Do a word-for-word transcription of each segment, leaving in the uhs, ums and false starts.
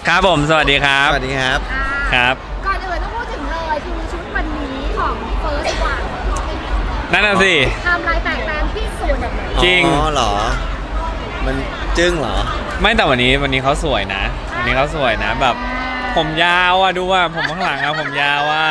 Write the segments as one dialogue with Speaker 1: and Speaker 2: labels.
Speaker 1: ครับผมสวัสดีครับ
Speaker 2: สวัสดีครับ
Speaker 1: ครับ
Speaker 3: ก่อนอื่นต้องพูดถึงเลยคือชุดวันนี้ของเฟิร์สวัน
Speaker 1: นั่นน่ะสิ
Speaker 3: ทำลายแตกแตนที่สุด
Speaker 1: จริง
Speaker 2: อ๋อเหรอมันจึ้งเหรอ
Speaker 1: ไม่แต่วันนี้วันนี้เขาสวยนะวันนี้เขาสวยนะแบบผมยาวอ่ะดูว่าผมข้างหลังอะผมยาวอ่ะ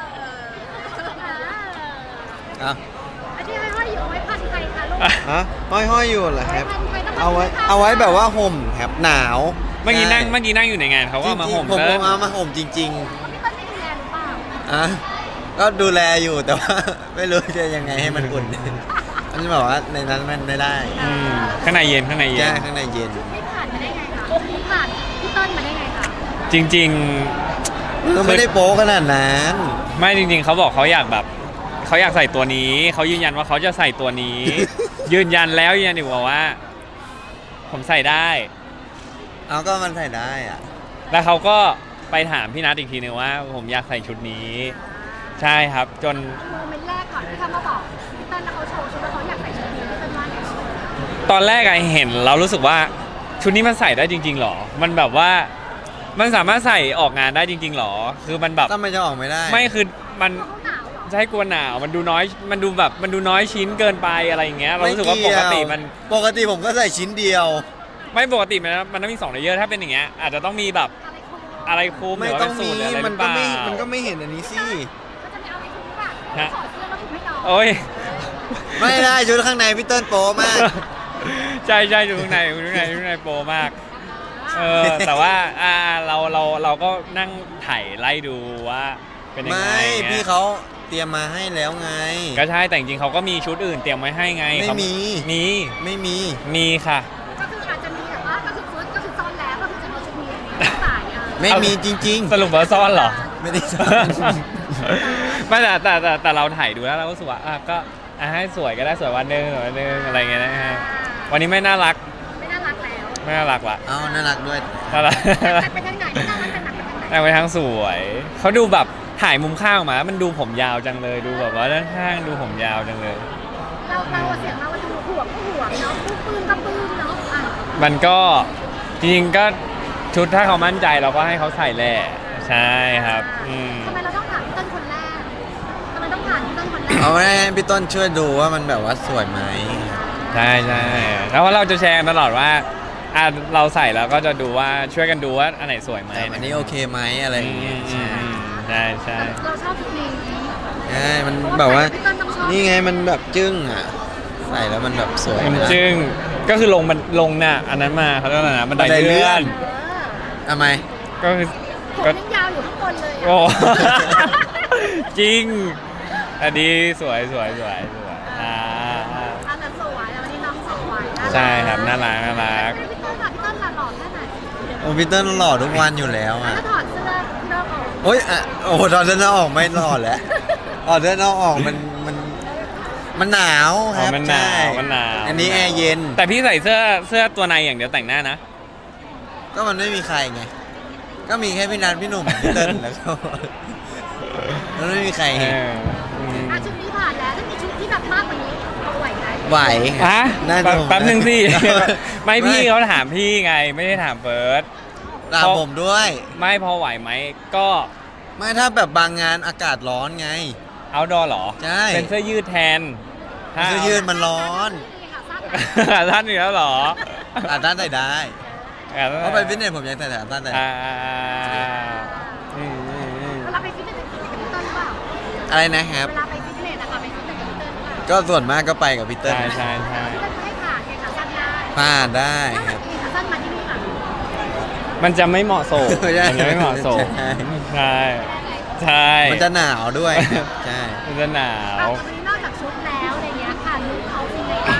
Speaker 2: อ่ะ
Speaker 3: อันที่ห้อยๆอยู่เอาไว้พันใครคะลูก
Speaker 2: ฮะห้อยๆอยู่เหรอครับ
Speaker 3: พันใครต้อง
Speaker 2: เอาไว้เอาไว้แบบว่าห่มครับหนาว
Speaker 1: เมื่อกี้นั่ง
Speaker 2: ใช่
Speaker 1: เมื่อกี้นั่งอยู่ในงานเขาก็มาห่ม
Speaker 2: ผม
Speaker 1: เติ้ล
Speaker 2: เอามาห่มจริง
Speaker 3: พี่ต้นไม่ดูแลหรือเปล่า
Speaker 2: ๆอ่ะก็ดูแลอยู่แต่ว่า ไม่รู้จะยังไงให้มันอุ่นอันนี้บอกว่าในนั้นมันไม่ได้
Speaker 1: อืมข้างในเย็นข้างในเย็
Speaker 2: แก้
Speaker 1: น
Speaker 2: ข้างในเย็น
Speaker 3: ไม่ผ่านมาได้ไงคะไม่ผ่านพี่ต้นมาได้ไงคะ
Speaker 1: จริง
Speaker 2: ก็ไม่ได้โป๊ขนาดนั้น
Speaker 1: ๆ ไม่จริง ๆเขาบอกเขาอยากแบบเขาอยากใส่ตัวนี้เขายืนยันว่าเขาจะใส่ตัวนี้ ยืนยันแล้วยืนยันอีกว่า ผมใส่ได้
Speaker 2: เอาก็มันใส่ได้อ่ะ
Speaker 1: แล้วเขาก็ไปถามพี่นัทอีกทีนึงว่า ผมอยากใส่ชุดนี้ ใช่ครับจน
Speaker 3: โมเมนต์แรกก่อนที่เขามาบอกพี่ต้นแล้วเขาโชว์ชุดแล้วเขาอยากใส่ชุดนี้พี่ต้นว่าไง
Speaker 1: ตอนแรกไอเห็นเรารู้สึกว่าชุดนี้มันใส่ได้จริงๆหรอ มันแบบว่ามันสามารถใส่ออกงานได้จริงๆหรอ คือมันแบบ
Speaker 2: ทำไมจะออกไม่ได้
Speaker 1: ไม่คือมัน
Speaker 3: เขาหนาวเหรอ
Speaker 1: จะให้กลัวหนาวมันดูน้อยมันดูแบบมันดูน้อยชิ้นเกินไปอะไรอย่างเงี้ยเรารู้สึกว่าปกติมัน
Speaker 2: ปกติผมก็ใส่ชิ้นเดียว
Speaker 1: ไม่ปกติมันมันต้องมีสองเลเยอร์ถ้าเป็นอย่างเงี้ยอาจจะต้องมีแบบ
Speaker 3: อะไรครู
Speaker 1: อะไรคลุมห
Speaker 2: ไม่
Speaker 1: รือว่า
Speaker 2: ต้อ
Speaker 1: เป็
Speaker 2: ง
Speaker 1: นสู
Speaker 2: มี
Speaker 1: ทหรืออะไรห
Speaker 2: มั
Speaker 1: รื
Speaker 2: น
Speaker 1: อเป
Speaker 2: ก็
Speaker 1: ล่า
Speaker 2: ไม่มันก็ไม่เห็นอันนี้สิ
Speaker 3: เขาจะไม่เอาอะไรครูหรือเปล่า
Speaker 1: ฮะ
Speaker 3: ถอดเสื้อแล้วถูกให้น้อง
Speaker 1: โอ้ย
Speaker 2: ไม่ได้ชุดข้างในพี่เติ้ลโป๊มาก
Speaker 1: ใช่ใช่อยู่ข้างในอยู่ข้างในอยู่ข้างในโปรมากเออแต่ว่าอ่าเราเราเราก็นั่งถ่ายไล่ดูว่าเป็นยังไง
Speaker 2: ไม่
Speaker 1: เงี้ย
Speaker 2: พี่เขาเตรียมมาให้แล้วไง
Speaker 1: ก็ใช่แต่จริงๆเขาก็มีชุดอื่นเตรียมไว้ให้ไง
Speaker 2: ไม่
Speaker 1: เขา
Speaker 2: มี
Speaker 1: มี
Speaker 2: ไม่มี
Speaker 1: มีค่ะ
Speaker 3: ก็คืออาจจะมีแบบว่าก็คือเฟิร์สก็คือซ้อนแล้วก็คือจะเอาชุดนี้มาใส่อ่ะ
Speaker 2: ไม่มีจริง
Speaker 1: สรุปว่าซ่อนเหรอ
Speaker 2: ๆ ไม่ได้ซ่อน
Speaker 1: ไม่แต่แต่แต่แต่เราถ่ายดูแล้วเราก็รู้สึกว่าอ่ะก็อ่ะให้สวยก็ได้สวยวันหนึงสวยวันหนึงอะไรเงี้ยนะฮะวันนี้ไม่น่ารัก
Speaker 3: ไม่น่ารักแล้ว
Speaker 1: ไม่น่ารักละ
Speaker 2: เอาน่ารักด้วย
Speaker 1: น่ารัก
Speaker 3: แต่เป็นยังไงไม่น่ารักเป็นหนักเป็นยังไง
Speaker 1: แต่ไปทางสวยเขาดูแบบถ่ายมุมข้างออกมามันดูผมยาวจังเลยดูแบบว่าด้านข้างดูผมยาวจังเลย
Speaker 3: เราเราเสียงเราดูห่วงก็ห่วงเนาะปื้มก็ปื้มเนาะอ่ะ
Speaker 1: มันก็จริงๆก็ชุดถ้าเขามั่นใจเราก็ให้เขาใส่แหละใช่ครับอืม
Speaker 3: ทำไมเราต้องถามพี่ต้นคนแรกทำไมต้องถามพี่ต้นคนแรก
Speaker 2: เอาให้พี่ต้นช่วยดูว่ามันแบบว่าสวยไหม
Speaker 1: ใช่ใช่แล้วว่าเราจะแชร์กันตลอดว่าอ่ะเราใส่แล้วก็จะดูว่าช่วยกันดูว่าอันไหนสวยไหม
Speaker 2: อันนี้โอเคไหมอะไรอย่างเงี้ย
Speaker 1: อืมอืมใช่ใช่
Speaker 3: เราชอบชุดนี้
Speaker 2: ใช่มันแบบว่า นี่ไงมันแบบจึ้งอ่ะ ใส่แล้วมันแบบสวย
Speaker 1: มัน
Speaker 2: เลย
Speaker 1: จึงก็คือลงมันลงน่ะอันนั้นมาเขาเรียกว่าอะไรนะบันได
Speaker 2: บันไดเลื่
Speaker 1: เลื่อ
Speaker 2: อน น
Speaker 3: เออ
Speaker 2: ทำไม
Speaker 1: ก็คือ
Speaker 3: ผม
Speaker 1: ก็
Speaker 3: ยังยาวอยู่ข้างบนเลย
Speaker 1: โอ้
Speaker 3: อ่ะ
Speaker 1: จริงอันนี้สวยสวยสวยสวยอ่า
Speaker 3: อันนั้นสวยแล้ววันนี้น้องสวยนะ
Speaker 1: ใช่ครับน่ารักน่ารัก
Speaker 3: พี่ต้นล่ะพี่ต้นล่ะหล่อแค่ไหน
Speaker 2: โอ้พี่เติ้ลหล่อทุกวันอยู่แล้วอ่ะ
Speaker 3: ถ้าถอดเสื้อเลิกออก
Speaker 2: โอ้ยอ่ะโอ้โหตอนเดินหน้าออกไม่หล่อแล้วออกเดินหน้าออกมันมันมันหนาวค
Speaker 1: อ๋อ
Speaker 2: รับ
Speaker 1: มันหนาว
Speaker 2: ใช่
Speaker 1: มันหนาว
Speaker 2: อันนี้แอร์เย็น
Speaker 1: แต่พี่ใส่เสื้อเสื้อตัวในอย่างเดียวแต่งหน้านะ
Speaker 2: ก็มันไม่มีใครไง ก็มีแค่พี่นัทพี่หนุ่มพี่เติ้ลแล้วก็มันไม่มีใคร
Speaker 1: เอ
Speaker 2: เห็น
Speaker 1: ออืม
Speaker 3: อ่ะชุดนี้ผ่านแล้วถ้ามีชุดที่แบบมากกว่านี้เอาไหวไหม
Speaker 2: ไหว
Speaker 1: ฮะ
Speaker 2: น่า
Speaker 1: แป๊บ
Speaker 2: ดู
Speaker 1: แป๊บหนึ่งสิ ไม่
Speaker 2: ไม่
Speaker 1: พี่เขาถามพี่ไง ไม่ได้ถามเฟิร์ส
Speaker 2: ตามผมด้วย
Speaker 1: ไม่พอไหวไหมก็
Speaker 2: ไม่ถ้าแบบบางงานอากาศร้อนไง
Speaker 1: เอาดอหรอ
Speaker 2: ใช่
Speaker 1: เป็นเสื้อยืดแทนถ้า
Speaker 2: เสื้อยืดมันร้อน
Speaker 3: นี่ค่ะสั้น
Speaker 1: ท่านอยู่แล้วเหรอ
Speaker 2: อาต้านใส่ได้เพราะไปฟิตเนสผมยังใส่แต่อาต้านใส่
Speaker 1: อ่าอืมอืมอืม
Speaker 3: เวลาไปฟิตเนสกับพี่เติ้ลหรือเปล่า
Speaker 2: อะไรนะครับ
Speaker 3: เวลาไปฟิตเนสนะคะไปฟิตเนสกับพี่เติ้ลหรือเปล่า
Speaker 2: ก็ส่วนมากก็ไปกับพี่เติ้ล
Speaker 1: ใช่ใช่ใช่
Speaker 3: พี่เติ้ลให้ผ่านไงขาสั้นได้
Speaker 2: ผ่านได้ค
Speaker 3: ถ้า
Speaker 2: รับ
Speaker 3: ขาสั้นมาที่นี่ค่ะ
Speaker 1: มันจะไม่เหมาะสม
Speaker 2: ไม่ได้
Speaker 1: มันจะไม่เหมาะสม
Speaker 2: ใช่
Speaker 1: ใช่ใช่
Speaker 2: มันจะหนาวด้วยครับใช่
Speaker 1: มันจะหนาว
Speaker 3: เอาวันนี้นอกจากชุดแล้วอะไรเงี้ยค่ะลูกเขาเป็นไงบ้าง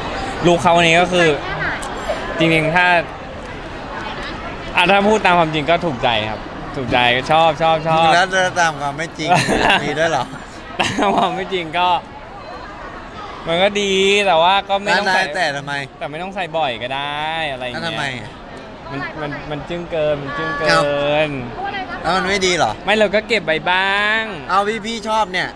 Speaker 1: ลูกเขาวันนี้ก็คือ
Speaker 3: แค่ไหน
Speaker 1: จริงๆ ถ้าอ่ะถ้าพูดตามความจริงก็ถูกใจครับ ถูกใจชอบชอบชอบ
Speaker 2: แล้วตามความไม่จริง มีด้วยเหรอ
Speaker 1: ตามความไม่จริงก็ มันก็ดีแต่ว่าก็ไม่ต้อง
Speaker 2: ได้
Speaker 1: ใส่
Speaker 2: แต่ทำไม
Speaker 1: แต่ไม่ต้องใส่บ่อยก็ได้อะไรอย่าง
Speaker 2: แล้ว
Speaker 1: เงี้ย
Speaker 2: ทำไมอ่ะ
Speaker 1: มันมันมันจึ้งเกินมันจึ้งเกิ
Speaker 2: เอ้า
Speaker 1: น
Speaker 3: เพราะอะไรนะ
Speaker 2: แล้วมันไม่ดีเหรอ
Speaker 1: ไม่เราก็เก็บใบบ้าง
Speaker 2: เอาพี่พี่ชอบเนี่ย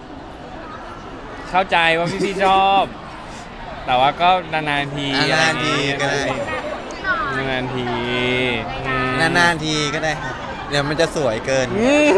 Speaker 1: เข้าใจว่าพี่พี่ชอบ แต่ว่าก็นานๆที
Speaker 2: อ่ะนานๆทีก็ได้
Speaker 1: นานๆทีอืม
Speaker 2: นานานๆทีก็ได้ครับเดี๋ยวมันจะสวยเกิน
Speaker 1: อืม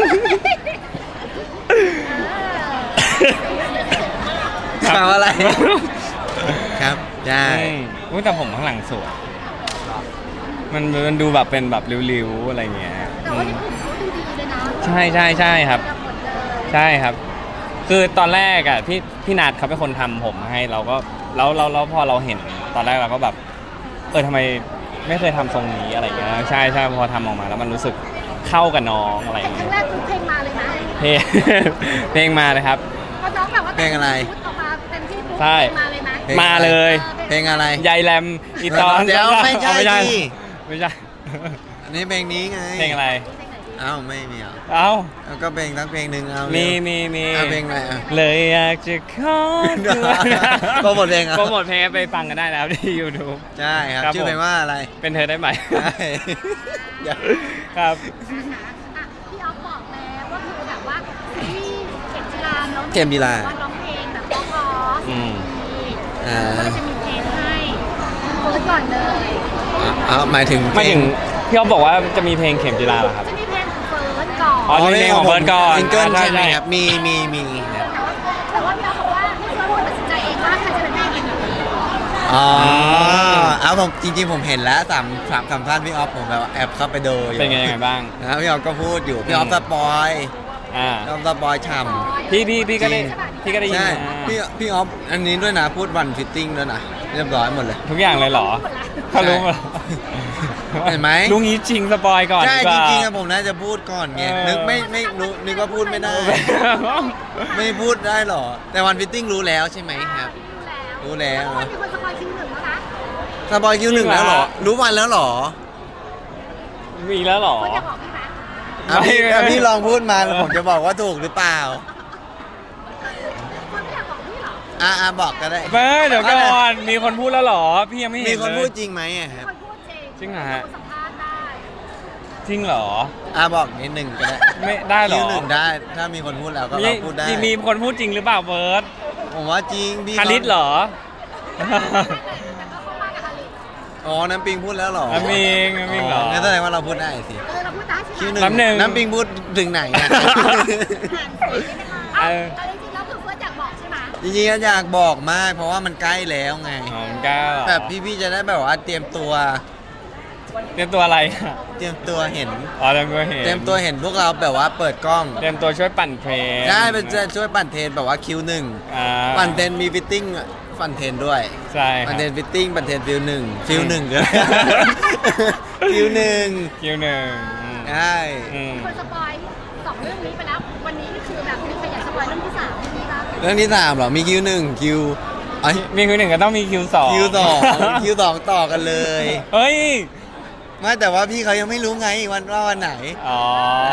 Speaker 2: ถามอะไร ครับใช่
Speaker 1: อืมอุ๊ยแต่ผมข้างหลังสวยมันมันดูแบบเป็นแบบริ้วๆอะไรเงี้ย
Speaker 3: แต่ว่าที่กลุ่มเขาดูดีเลยนะ
Speaker 1: ใช่ใช่ใช่ครับ
Speaker 3: หมดเลย
Speaker 1: ใช่ครับ คือตอนแรกอ่ะพี่พี่นัทเขาเป็นคนทำผมให้เราก็แล้วเราเราพอเราเห็นตอนแรกเราก็แบบ เออทำไมไม่เคยทำทรงนี้อะไรเงี้ยใช่ใช่พอทำออกมาแล้วมันรู้สึกเข้ากับน้องอะไร
Speaker 3: แต่ครั้
Speaker 1: เงี้
Speaker 3: ง
Speaker 1: ย
Speaker 3: แรกคือเพลงมาเลยนะ
Speaker 1: เพลง เพลงมาเลยครับ
Speaker 3: พอน้องแบบว่า
Speaker 2: เพลงอะไร
Speaker 3: ชุดออกมาเต็มที่ปุ๊บ
Speaker 1: ใช่
Speaker 3: เพลงมาเลยนะ
Speaker 2: เพลง
Speaker 1: มาเลย
Speaker 2: เพลงอะไร
Speaker 1: ยายแรมอีตอน
Speaker 2: เดี๋ยวไม่ใช่
Speaker 1: เอาไม่ใช่
Speaker 2: ดิ
Speaker 1: ไม่ใช่
Speaker 2: อันนี้เพลงนี้ไง
Speaker 1: เพลงอะไร
Speaker 2: เอ้าไม่มีเหรอ
Speaker 1: เอ้า
Speaker 2: เอาก็เพลงทั้งเพลงหนึ่งเอา
Speaker 1: มี
Speaker 2: มี
Speaker 1: มีมี
Speaker 2: เอาเพลงอะไรอ่ะ
Speaker 1: เลยอยากจะขอตัว
Speaker 2: โปรโมทเพลงเหรอ
Speaker 1: โปรโมทเพลงไปฟังกันได้แล้วที่ YouTube
Speaker 2: ใช่ครับ
Speaker 1: ครับ
Speaker 2: ชื่อเพลง
Speaker 1: ผม
Speaker 2: ว่าอะไร
Speaker 1: เป็นเธอได้ไหม
Speaker 2: ใช่อย่า
Speaker 1: ครับ
Speaker 3: อ่ะพี่ออฟบอกแล้วว่าคือแบบว่าซีรีส์เข็มจีราน้อง
Speaker 2: เข็มจีรา
Speaker 3: ร้องเพลงแบบเพราะ
Speaker 1: อืม
Speaker 3: ๆ
Speaker 2: อ่า
Speaker 3: ก็เลยจะมีเพลงให้เฟิร์สก่อนเลย
Speaker 2: เอาหมายถึง
Speaker 1: ไม่ถึงพี่อ๊อฟบอกว่าจะมีเพลงเข็มจีราเหรอครับ
Speaker 3: จะมีเพลงของเฟิร์สก่อน
Speaker 1: อ๋อ เพลงของเบิร์ดก่อน
Speaker 2: ซิงเกิล
Speaker 1: ใช่
Speaker 2: ใช่ไหม
Speaker 1: ใช่
Speaker 2: ครับมีมีมีครับ
Speaker 3: แต่ว่าพี่ออฟบอกว่าให้เฟิร์สตัดสินใจเองว่าใครจะเป็นแม่เองหรือ
Speaker 2: อ๋อเอาผมจริงๆผมเห็นแล้วสามสามสามท่านพี่ออฟผมแบบแอบเข้าไปดูอยู่
Speaker 1: เป็นไงยังไงบ้าง
Speaker 2: นะพี่ออฟก็พูดอยู่พี่ออฟ
Speaker 1: อืม
Speaker 2: สปอย
Speaker 1: อ่า
Speaker 2: พี่ออฟสปอยฉ่ำ
Speaker 1: พี่พี่พี่ก็ได้พี่ก็ได้ยิน
Speaker 2: ใช่
Speaker 1: มา
Speaker 2: พี่พี่ออฟอันนี้ด้วยนะพูดวันฟิตติ้งด้วยนะเรียบร้อยหมดเลย
Speaker 1: ทุกอย่างเลยเหรอเขารู้หมด
Speaker 2: เห็นไหม
Speaker 1: ลุงนี้จริงสปอยก่อน
Speaker 2: ใช่
Speaker 1: ดีก
Speaker 2: จ
Speaker 1: ว่า
Speaker 2: ริงๆอะผมน่าจะพูดก่อนไง
Speaker 1: เออ
Speaker 2: นึกไม่ไม่รู้นึกว่าพูดไม่ได้ ไม่พูดได้หรอ แต่วันฟิตติ้งรู้แล้วใช่ไหมครับ รู้แล้ว
Speaker 3: มีคนสปอยคิวหนึ่งแล้วนะ
Speaker 2: สปอยคิวหนึ่งแล้วเหรอ รู้วันแล้วเหรอ
Speaker 1: มีแล้วเหรอ
Speaker 3: คนจะบอกพี่ไหม
Speaker 2: อ่ะพี่
Speaker 1: ไม่
Speaker 2: อ่ะ
Speaker 1: ไม่
Speaker 2: พี่ลองพูดมาแล้วผมจะบอกว่าถูกหรือเปล่า
Speaker 3: คนไม่อยากบอกพี่เหรอ
Speaker 2: อ่ะอ่ะบอกก็ได้
Speaker 1: เบ้ยเดี๋ยวก่อนมีคนพูดแล้วเหรอ พี่ยังไม่เห็น
Speaker 2: มีคน
Speaker 1: เลย
Speaker 2: พูดจริงไหมอะครับ
Speaker 3: คนพูดจริง
Speaker 1: จริงเหรอฮะ
Speaker 3: คนสัมภาษณ์ได้
Speaker 1: จริงเหรอ
Speaker 2: อ่ะบอกนิดหนึ่งก็ได้
Speaker 1: ไม่ได้เหร
Speaker 2: คิ
Speaker 1: อ
Speaker 2: วหนึ่งได้ ถ้ามีคนพูดแล้วก็
Speaker 1: มี
Speaker 2: เราพูดได้
Speaker 1: มีมีคนพูดจริงหรือเปล่าเบิร์ด
Speaker 2: ผมว่าจริงพี่
Speaker 1: คาริสเหรอ
Speaker 3: แต่ก็เข้ามากับอลิ
Speaker 2: อ๋อ น้ำปิงพูดแล้วเหรอ
Speaker 1: น้ำปิงน้ำปิงเหรอ
Speaker 2: งั้นแสดงว่าเราพูดได้สิ
Speaker 3: เออเราพูดได้ใช่
Speaker 2: คิว
Speaker 3: ไห
Speaker 2: ห
Speaker 3: ม
Speaker 2: นึ่ง
Speaker 1: น้ำหนึ่ง
Speaker 2: น้ำปิงพูดถึงไหนอะ
Speaker 3: อ่านเสียงได้ไหมคะ
Speaker 1: เอ
Speaker 3: เอ้า
Speaker 1: อ
Speaker 3: แต่จริงๆแล้วคือเฟิร์สอยากบอกใช่ไหม
Speaker 2: จริงๆก็อยากบอกมาก เพราะว่ามันใกล้แล้วไง
Speaker 1: อ๋อมันก้าว
Speaker 2: แบบพี่ๆจะได้แบบว่าเตรียมตัว
Speaker 1: เตรียมตัวอะไรอะ
Speaker 2: เตรียมตัวเห็น
Speaker 1: อ๋อเตรียมตัวเห็น
Speaker 2: เตรียมตัวเห็นพวกเราแบบว่าเปิดกล้อง
Speaker 1: เตรียมตัวช่วยปั่นเทรน
Speaker 2: ได้เป็นจะช่วยปั่นเทรนแบบว่าคิวหนึ่ง
Speaker 1: อ่า
Speaker 2: ปั่นเทรนมีฟิตติ้งปั่นเทรนด้วย
Speaker 1: ใช่ค
Speaker 2: ปั่
Speaker 1: รั
Speaker 2: น
Speaker 1: บ
Speaker 2: เทรนฟิตติ้งปั่นเทรนฟิลหนึ่งฟิลหนึ่งก็ได้ ฟิลหนึ่ง
Speaker 1: คิวหนึ่งอืม
Speaker 2: ใช่
Speaker 1: อืม
Speaker 3: คนสปอยสองเรื่องนี้ไปแล้ว วันนี้นี่คือแบบมีใครอยากสปอยเรื่องที่สามไหมคะ
Speaker 2: เรื่องที่สามเหรอมีคิวหนึ่งคิวเอ้ย
Speaker 1: มีคิวหนึ่งก็ต้องมีคิวสอง
Speaker 2: คิวสองคิวสองต่อกันเลย
Speaker 1: เฮ้ย
Speaker 2: ไม่แต่ว่าพี่เขายังไม่รู้ไงวันว่าวันไหน
Speaker 1: อ๋อ
Speaker 2: ใช่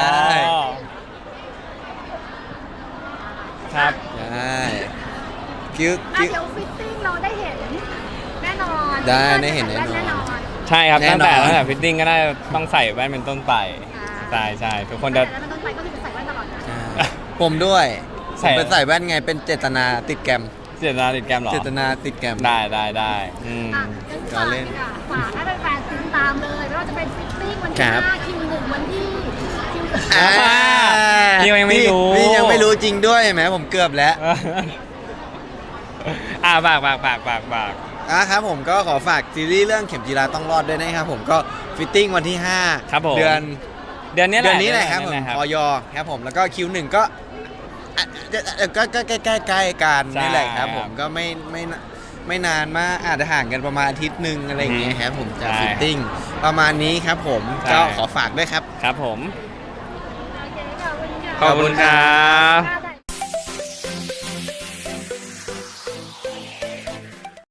Speaker 1: ครับ
Speaker 2: ใช่คิว
Speaker 3: อ่ะ
Speaker 2: คิว
Speaker 3: เดี๋ยวฟิตติ้งเราได้เห็นแน่นอน
Speaker 2: ได้ได้เห็นแน่นอน
Speaker 3: แน่นอน
Speaker 1: ใช่ครับ
Speaker 2: แน่
Speaker 1: ตั้ง
Speaker 2: นอน
Speaker 1: แต่ตั้งแต่ฟิตติ้งก็ได้ต้องใส่แว่นเป็นต้นไป
Speaker 3: อ่า
Speaker 1: ใช่ใช่ทุกคนจะ
Speaker 3: แล้วมันต้องไปก็คือจะใส่แว่นตลอดนะ
Speaker 2: ใช่ผมด้วยผ
Speaker 1: ใส่
Speaker 2: มเป็นใส่แว่นไงเป็นเจตนาติดแกรม
Speaker 1: เจตนาติดแกรมเหรอ
Speaker 2: เจตนาติดแกรม
Speaker 1: ได้ได้ได้อืม
Speaker 3: อ่ะงั้นฝาก
Speaker 2: การเล่น
Speaker 3: ดีกว่าฝากให้แฟนๆติดตามเลยไม่ว่าจะเป็นฟิตติ้งวัน
Speaker 2: ค
Speaker 3: ที่
Speaker 2: รับ
Speaker 3: ห้าคิวหนึ่งวันที่คิวส
Speaker 2: อ่า
Speaker 1: พี่ยังไม่รู้
Speaker 2: พี่ยังไม่รู้จริงด้วยเห็นไหมผมเกือบแล้ว
Speaker 1: อ่าฝากฝากฝากฝากฝาก
Speaker 2: อ่ะครับผมก็ขอฝากซีรีส์เรื่องเข็มจีราต้องรอดด้วยนะครับผมก็ฟิตติ้งวันที่ห้า
Speaker 1: ครับผม
Speaker 2: เดือน
Speaker 1: เดือนนี้แห
Speaker 2: เดื
Speaker 1: ละ
Speaker 2: อนนี้แหละครับผม
Speaker 1: เดือนนี้
Speaker 2: ออยครับผมแล้วก็คิวหนึ่งก็อ่ะอ่ะก็ก็ใกล้ใกล้ใกล้ๆกัน
Speaker 1: ใช่
Speaker 2: นี่แหละครับผม
Speaker 1: ครับ
Speaker 2: ก็ไม่ไม่ไม่นานมากอาจจะห่างกันประมาณอาทิตย์หนึ่งอะไรอย่างเงี้ยครับผมจาก
Speaker 1: ใช่
Speaker 2: ฟิตติ้งประมาณนี้ครับผม
Speaker 1: ใช่
Speaker 2: ก็ขอฝากด้วยครับ
Speaker 1: ครับผม
Speaker 3: โอเคขอบคุณค่ะ
Speaker 1: ขอบคุณครับ
Speaker 3: ค่ะ